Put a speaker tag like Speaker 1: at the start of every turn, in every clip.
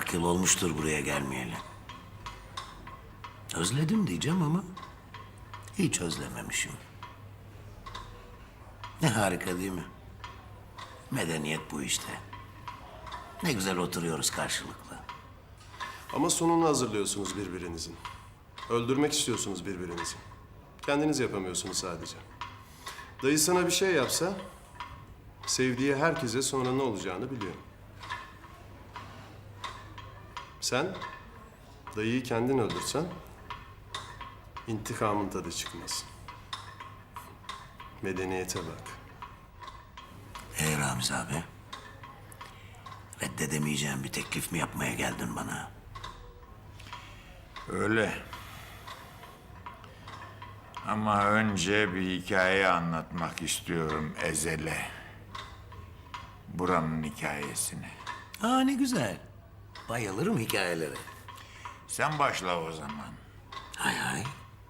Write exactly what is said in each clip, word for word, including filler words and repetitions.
Speaker 1: kırk yıl olmuştur buraya gelmeyeli. Özledim diyeceğim ama hiç özlememişim. Ne harika değil mi? Medeniyet bu işte. Ne güzel oturuyoruz karşılıklı.
Speaker 2: Ama sonunu hazırlıyorsunuz birbirinizin. Öldürmek istiyorsunuz birbirinizi. Kendiniz yapamıyorsunuz sadece. Dayı sana bir şey yapsa, sevdiği herkese sonra ne olacağını biliyor. Sen, dayıyı kendin öldürsen, intikamın tadı çıkmaz. Medeniyete bak.
Speaker 1: Ee Ramiz abi, reddedemeyeceğim bir teklif mi yapmaya geldin bana?
Speaker 3: Öyle. Ama önce bir hikaye anlatmak istiyorum Ezel'e. Buranın hikayesini.
Speaker 1: Aa ne güzel. Bayılırım hikayelere.
Speaker 3: Sen başla o zaman.
Speaker 1: Hay hay.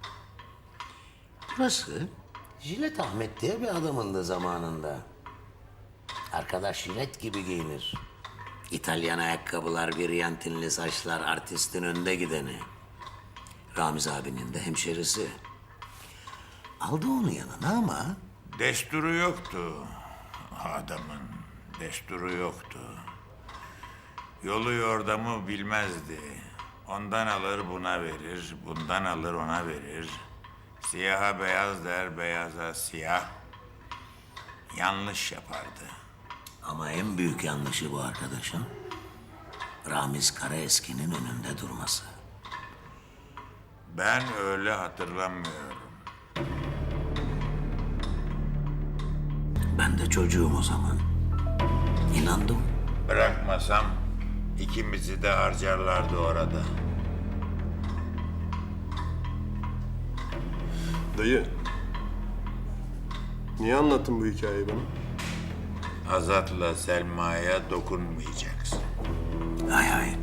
Speaker 1: Burası Jilet Ahmet diye bir adamındı zamanında. Arkadaş jilet gibi giyinir. İtalyan ayakkabılar, viryantinli saçlar, artistin önde gideni. Ramiz abinin de hemşerisi. Aldı onu yanına ama
Speaker 3: Desturu yoktu adamın. Desturu yoktu. Yolu yordamı bilmezdi. Ondan alır buna verir, bundan alır ona verir. Siyaha beyaz der, beyaza siyah. Yanlış yapardı.
Speaker 1: ama en büyük yanlışı bu arkadaşın Ramiz Karaeski'nin önünde durması.
Speaker 3: Ben öyle hatırlamıyorum.
Speaker 1: Ben de çocuğum o zaman. İnandım.
Speaker 3: Bırakmasam ikimizi de harcarlardı orada.
Speaker 2: Dayı, niye anlattın bu hikayeyi bana?
Speaker 3: Azat'la Selma'ya dokunmayacaksın.
Speaker 1: Hay hay.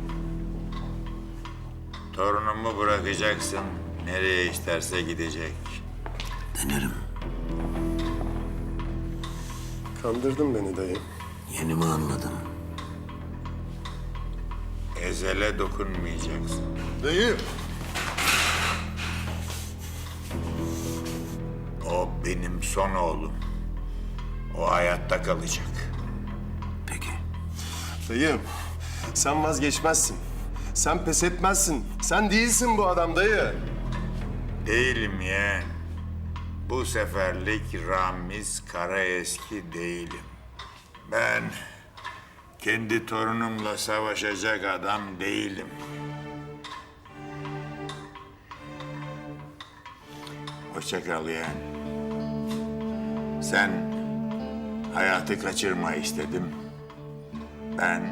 Speaker 3: Torunumu bırakacaksın, nereye isterse gidecek.
Speaker 1: Denerim.
Speaker 2: Kandırdın beni dayı.
Speaker 1: Yeni mi anladım?
Speaker 3: Ezel'e dokunmayacaksın.
Speaker 2: Dayı!
Speaker 3: O benim son oğlum. O hayatta kalacak.
Speaker 1: Peki.
Speaker 2: Dayı, sen vazgeçmezsin. Sen pes etmezsin. Sen değilsin bu adam dayı.
Speaker 3: Değilim yeğen. Bu seferlik Ramiz Karaeski değilim. Ben kendi torunumla savaşacak adam değilim. Hoşça kal yeğen. Sen hayatı kaçırma istedim. Ben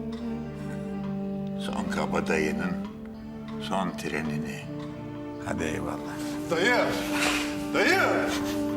Speaker 3: son kabadayının son trenini. Hadi eyvallah.
Speaker 2: Dayı! Dayı!